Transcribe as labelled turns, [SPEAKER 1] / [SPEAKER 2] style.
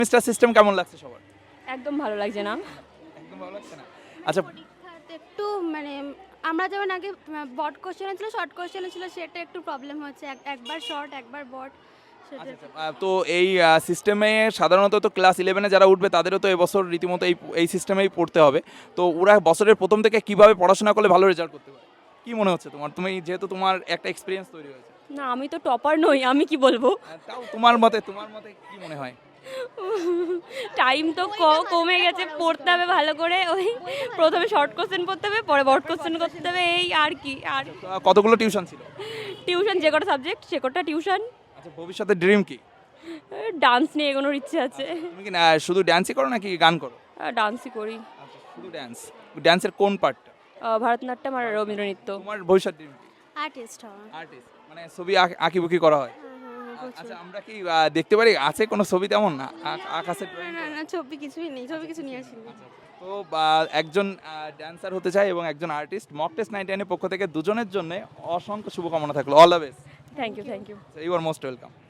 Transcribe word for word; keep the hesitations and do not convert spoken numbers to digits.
[SPEAKER 1] Semester system কেমন লাগছে সবার?
[SPEAKER 2] একদম ভালো লাগছে না।
[SPEAKER 1] একদম ভালো লাগছে না। আচ্ছা,
[SPEAKER 3] পরীক্ষাতে একটু মানে আমরা যেমন আগে বট কোশ্চেন ছিল, শর্ট কোশ্চেন ছিল, সেটা একটু প্রবলেম হচ্ছে। এক- একবার শর্ট একবার বট সেটা
[SPEAKER 1] আচ্ছা, আচ্ছা, আহ, তো এই সিস্টেমে সাধারণত তো ক্লাস ইলেভেনে যারা উঠবে তাদেরও তো এবছর রীতিমতো এই এই সিস্টেমেই পড়তে হবে। তো ওরা বছরের প্রথম থেকে কিভাবে পড়াশোনা করলে ভালো রেজাল্ট করতে পারে, কি মনে হচ্ছে তোমার? তুমি যেহেতু তোমার একটা এক্সপিরিয়েন্স তৈরি হয়েছে,
[SPEAKER 2] না, আমি তো টপার নই, আমি কি বলবো।
[SPEAKER 1] আহ, তাও তোমার মতে তোমার মতে কি মনে হয়?
[SPEAKER 2] টাইম তো ক- কমে গেছে, পড়তে হবে ভালো করে। ওই প্রথমে শর্ট কোশ্চেন পড়তে হবে, পরে বড় কোশ্চেন করতে হবে, এই আর কি। আর
[SPEAKER 1] তো, আহ, কতগুলো টিউশন ছিল?
[SPEAKER 2] টিউশন, যে কটা সাবজেক্ট সে কটা টিউশন।
[SPEAKER 1] আচ্ছা, ভবিষ্যতের ড্রিম কি?
[SPEAKER 2] ডান্স নিয়ে এগোনোর ইচ্ছে আছে।
[SPEAKER 1] তুমি কি না শুধু ড্যান্সই করো নাকি গান করো?
[SPEAKER 2] ডান্সই করি।
[SPEAKER 1] আচ্ছা, শুধু ড্যান্স। ড্যান্সের কোন পার্টটা?
[SPEAKER 2] আহ, ভারতনাট্যম আর রবীন্দ্র নৃত্য।
[SPEAKER 1] তোমার ভবিষ্যৎ ড্রিম কি?
[SPEAKER 3] আর্টিস্ট হওয়া।
[SPEAKER 1] আর্টিস্ট, মানে ছবি আঁক- আঁকিবুকি করা হয়?
[SPEAKER 3] হ্যাঁ, হ্যাঁ, হ্যাঁ, প্রচুর।
[SPEAKER 1] আচ্ছা, আমরা কি আহ, দেখতে পারি আছে কোনো ছবি তেমন না আ- আকাশের
[SPEAKER 3] না
[SPEAKER 1] drawing
[SPEAKER 3] না
[SPEAKER 1] করা?
[SPEAKER 3] না, ছবি কিছুই নেই, ছবি কিছু নিয়ে আসিনি।
[SPEAKER 1] তো বা, একজন ড্যান্সার হতে চায় এবং একজন আর্টিস্ট, মক টেস্ট নাইনটি নাইনের পক্ষ থেকে দুজনের জন্য অসংখ্য শুভকামনা থাকলো। All the best.
[SPEAKER 2] Thank you, thank you.
[SPEAKER 1] You are most welcome.